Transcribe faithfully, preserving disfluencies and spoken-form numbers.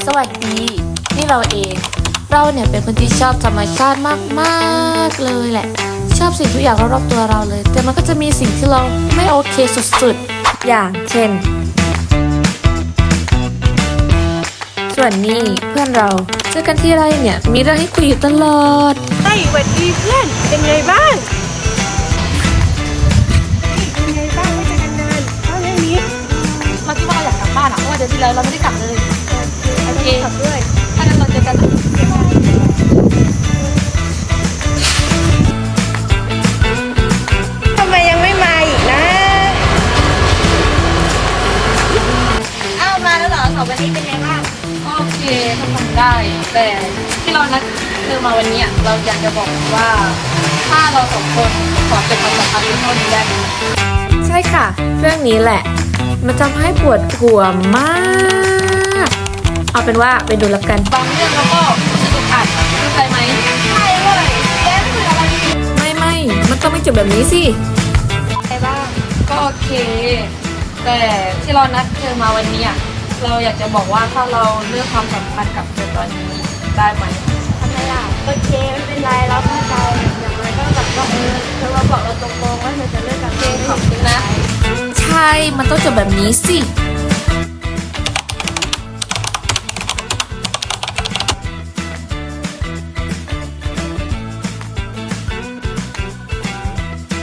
สวัสดี นี่เราเอง เราเนี่ยเป็นคนที่ชอบธรรมชาติมากๆเลยแหละ ชอบสิ่งทุกอย่างรอบๆตัวเราเลย แต่มันก็จะมีสิ่งที่เราไม่โอเคสุดๆ อย่างเช่น ส่วนนี้เพื่อนเราเจอกันที่ไรเนี่ยมีเรื่องให้คุยอยู่ตลอดเฮ้ยสวัสดีเพื่อน เป็นไงบ้างเป็นไงบ้างไม่เจอกันนานเท่านี้เราคิดว่าเราอยากกลับบ้านอะเพราะว่าเดือนที่แล้วเราไม่ได้กลับเลยโอเคขับด้วยถ้างั้นเราเจอกันนะทำไมยังไม่มาอีกนะอ้าวมาแล้วเหรอสองวันนี้เป็นไงบ้างโอเคทำทำได้ แต่ที่เรานัดเธอมาวันนี้อะเราอยากจะบอกว่า ถ้าเราสองคนขอเก็บความสัมพันธ์ไว้เท่านี้ได้ไหมใช่ค่ะ เรื่องนี้แหละ มันทำให้ปวดหัวมาก เอาเป็นว่าไปดูแล้วกันบางเรื่องเราก็รู้สึกอึดอัดเข้าใจไหมใช่เลยแกไม่คุยอะไรดีไม่ไม่ มันต้องไม่จบแบบนี้สิอะไรบ้างก็โอเค แต่ที่เรานัดเธอมาวันนี้อะเราอยากจะบอกว่าถ้าเราเลือกความสัมพันธ์กับเธอตอนนี้ได้ไหมทำไมล่ะโอเคไม่เป็นไรเราเข้าใจอย่างไรก็แบบว่าเออเธอมาบอกเราตรงๆว่าเธอจะเลิกกับเจนขอบคุณนะ ใช่ มันต้องจบแบบนี้สิ